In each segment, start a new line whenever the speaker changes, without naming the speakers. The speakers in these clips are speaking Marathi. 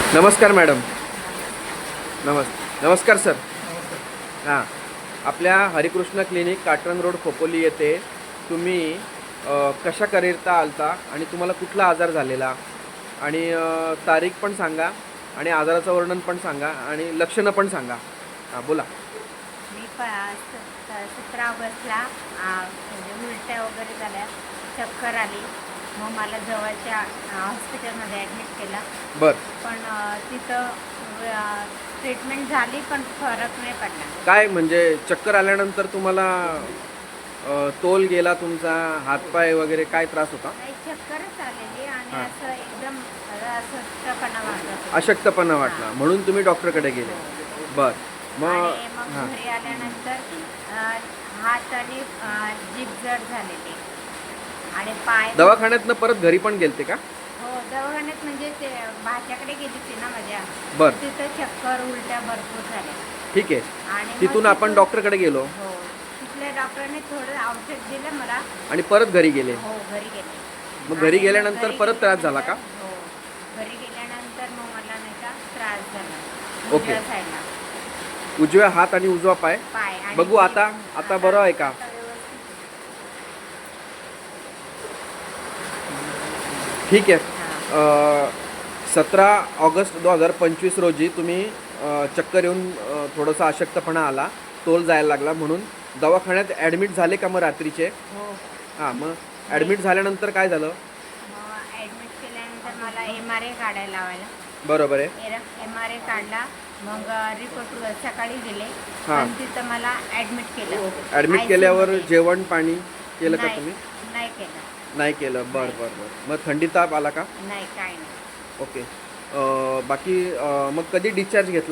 नमस्कार मॅडम. नमस्कार सर. हां, आपल्या हरिकृष्ण क्लिनिक काटरंग रोड खोपोली येथे तुम्ही कशाकरिता आलता आणि तुम्हाला कुठला आजार झालेला आणि तारीख पण सांगा आणि आजाराचं वर्णन पण सांगा आणि लक्षणं पण सांगा. हां बोला.
मी 17 ऑगस्टला म्हणजे उलट्या वगैरे झाल्या, चक्कर आली. मग मला जवळच्या हॉस्पिटलमध्ये ॲडमिट केलं.
बर,
पण तिथं ट्रीटमेंट झाली पण फरक नाही पडला.
काय म्हणजे चक्कर आल्यानंतर तुम्हाला तोल गेला तुमचा, हातपाय वगैरे काय त्रास होता?
काही चक्करच आलेली आणि
हां.
असं एकदम अस्वस्थपणा वाटत होता.
अशक्तपणा वाटला
हां.
म्हणून तुम्ही डॉक्टरकडे गेले. बर, मग
आणि मग
हां,
घरी आल्यानंतर हात आणि जीभ जड झालेली आणि पाय.
दवाखान्यातनं परत घरी पण गेलते का?
हो, दवाखान्यात म्हणजे ते भाच्याकडे गेली होती ना माझ्या.
बर,
तिथं चक्कर उलट्या भरपूर झाल्या
ठीक आहे.
आणि मग
तिथून आपण डॉक्टरकडे गेलो
हो, तिथल्या डॉक्टरने थोडं औषध दिलं मला.
आणि परत घरी गेले.
हो, घरी गेले.
मग घरी
आणि
गेल्यानंतर
घरी
परत त्रास झाला का?
हो, घरी गेल्यानंतर मग मला नाही का त्रास झाला
ओके.
उजव्या साईडला
उजव्या हात आणि उजवा पाय.
पाय. आणि
बघू आता बरं आहे का?
आता व्यवस्थित.
ठीक आहे.
हां.
17 ऑगस्ट 2025 रोजी तुम्ही चक्कर येऊन थोडासा अशक्तपणा आला, तोल जायला लागला म्हणून दवाखान्यात ॲडमिट झाले का मग रात्रीचे?
हो.
हां, मग ॲडमिट झाल्यानंतर काय झालं?
मग ॲडमिट केल्यानंतर मला MRI काढायला लावायला.
बरोबर आहे.
MRI काढला. मग रिपोर्ट सकाळी दिले.
हां.
पण तिथं मला ॲडमिट केलं.
ॲडमिट
ICU
केल्यावर
मध्ये.
जेवण पाणी केलं का
नाही,
तुम्ही?
नाही केलं.
नाही केलं. बरं बरं बरं. मग थंडी ताप आला का?
नाही, काही नाही.
ओके. बाकी मग कधी डिस्चार्ज घेतला?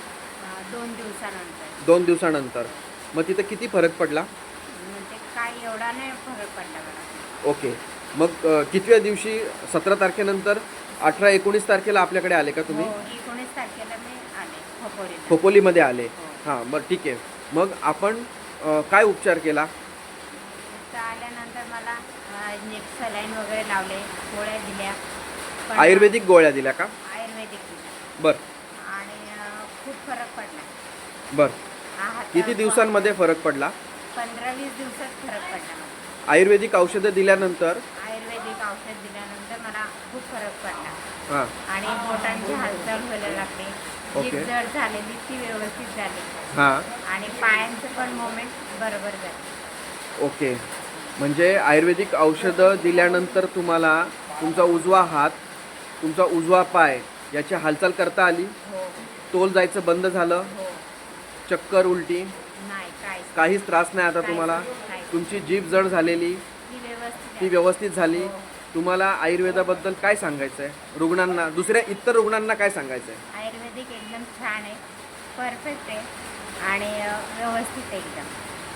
2 दिवसानंतर.
2 दिवसानंतर. मग तिथं किती फरक पडला?
म्हणजे काय एवढा नाही फरक पडला मला.
ओके. मग कितव्या दिवशी 17 तारखेनंतर 18-19 तारखेला आपल्याकडे आले का तुम्ही?
हो, 19 तारखेला मी आले खोपोलीला.
खोपोलीमध्ये आले.
हो.
हां, बरं ठीक आहे. मग आपण काय उपचार केला?
तिथं आल्यानंतर मला सलाईन वगैरे लावले, गोळ्या दिल्या. पण
आयुर्वेदिक गोळ्या दिल्या का?
आयुर्वेदिक दिल्या
बरं
आणि खूप फरक पडला.
बरं.
हातात
किती दिवसांमध्ये फरक पडला?
15-20 दिवसात फरक पडला मला.
आयुर्वेदिक औषधं दिल्यानंतर?
आयुर्वेदिक औषध दिल्यानंतर मला खूप फरक पडला
हां,
आणि बोटांची हालचाल व्हायला लागली.
ओके.
जीभ जड झालेली ती व्यवस्थित झाली
हां,
आणि पायांचं पण मोमेंट बरोबर झालं.
ओके. म्हणजे आयुर्वेदिक औषधं दिल्यानंतर तुम्हाला तुमचा उजवा हात, तुमचा उजवा पाय याची हालचाल करता आली,
हो,
तोल जायचं बंद झालं,
हो.
चक्कर, उलटी
नाही,
काहीच त्रास नाही आता
काहीच
तुम्हाला.
नाही.
तुमची जीभ जड झालेली
ती व्यवस्थित
ती
आहे.
व्यवस्थित झाली.
हो.
तुम्हाला आयुर्वेदाबद्दल काय सांगायचं आहे? रुग्णांना, दुसऱ्या इतर रुग्णांना काय सांगायचं आहे?
आयुर्वेदिक एकदम छान आहे, परफेक्ट आहे आणि व्यवस्थित आहे एकदम.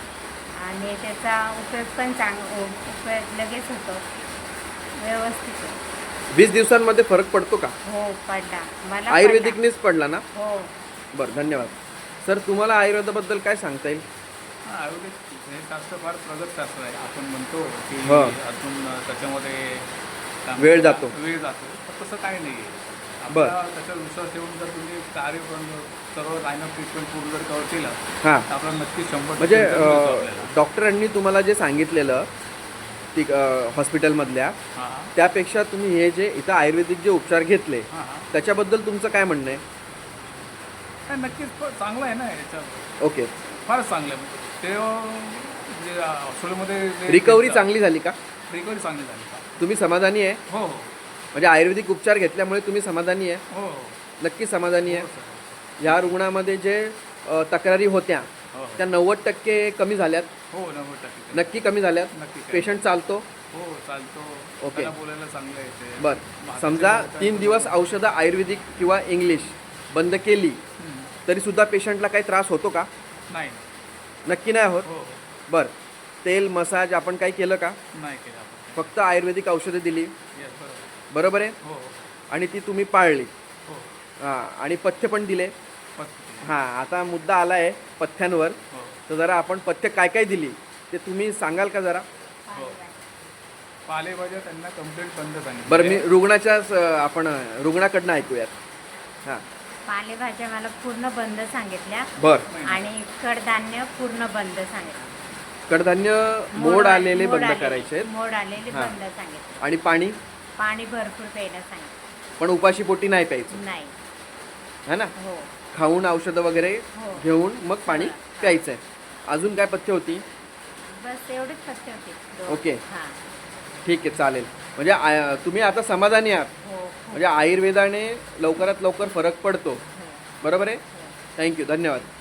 आणि त्याचा उपयोग पण उपयोग लगेच होतो. व्यवस्थित आहे.
20 दिवसांमध्ये फरक पडतो का?
हो, पडला मला.
आयुर्वेदिकनेच पडला ना?
हो.
बरं, धन्यवाद. सर, तुम्हाला आयुर्वेदाबद्दल काय सांगता येईल?
आयुर्वेदिक हे शास्त्र फार प्रगत शास्त्र आहे. आपण म्हणतो की
हो.
अजून त्याच्यामध्ये काय
वेळ
म्हणतात,
जातो.
वेळ जातो, तर तसं काही नाही आहे.
बरं.
आपल्याला त्याच्यावर विश्वास ठेवून जर तुम्ही कार्य सर्व लाईन ऑफ ट्रीटमेंट पूर्ण जर कव्हर केलं
हां,
तर आपल्याला नक्की 100%
म्हणजे
result मिळतो आपल्याला.
डॉक्टरांनी तुम्हाला जे सांगितलेलं ती हॉस्पिटलमधल्या,
हां
त्यापेक्षा तुम्ही हे जे इथं आयुर्वेदिक जे उपचार घेतले
हां हां
त्याच्याबद्दल तुमचं काय म्हणणं आहे?
नाही, नक्कीच चांगलं आहे ना याच्यात.
ओके.
फारच चांगलं आहे. ते जे हॉस्पिटलमध्ये
रिकव्हरी चांगली झाली का?
रिकव्हरी चांगली झाली का?
तुम्ही समाधानी आहे?
हो हो
म्हणजे आयुर्वेदिक उपचार घेतल्यामुळे तुम्ही समाधानी आहे?
हो हो
नक्की समाधानी
हो
आहे.
सर.
ह्या रुग्णामध्ये जे तक्रारी होत्या
हो
त्या 90% कमी झाल्यात?
हो 90%.
नक्की कमी झाल्यात?
नक्की काय.
पेशंट चालतो?
हो चालतो.
ओके.
त्याला बोलायला चांगलं येते.
बरं. समजा 3 दिवस औषधं आयुर्वेदिक किंवा इंग्लिश बंद केली तरीसुद्धा पेशंटला काही त्रास होतो का?
नाही.
नक्की नाही होत?
हो
बरं. तेल, मसाज आपण काही केलं का?
नाही केलं आपण.
फक्त आयुर्वेदिक औषधं दिली,
येस बरोबर.
बरोबर आहे?
हो
आणि ती तुम्ही पाळली.
हो
हां, आणि पथ्य पण दिले.
पत्ते.
हां, आता मुद्दा आला आहे पथ्यांवर.
हो
तर जरा आपण पथ्य काय काय दिली ते तुम्ही सांगाल का जरा?
हो. पालेभाज्या त्यांना कंप्लीट बंद सांगितलं.
बरं, मी रुग्णाच्याच आपण रुग्णाकडनं ऐकूयात. हां
पालेभाज्या मला पूर्ण बंद सांगितल्या
बरं.
आणि कडधान्य पूर्ण बंद सांगितलं.
कडधान्य मोड आलेले
मोड
बंद करायचे आहेत.
मोड आलेले
हां.
बंद सांगितलं.
आणि पाणी
पाणी भरपूर प्यायला सांगितलं.
पण उपाशी पोटी नाही प्यायचं,
नाही.
है ना.
हो
खाऊन औषधं वगैरे
हो.
घेऊन मग पाणी प्यायचं आहे. अजून काय पथ्य होती?
बस एवढीच पथ्य होती.
ओके.
हां.
ठीक आहे, चालेल. म्हणजे तुम्ही आता समाधानी आहात,
हो हो.
म्हणजे आयुर्वेदाने लवकरात लवकर फरक पडतो,
हो.
बरोबर आहे.
हो.
थँक्यू, धन्यवाद.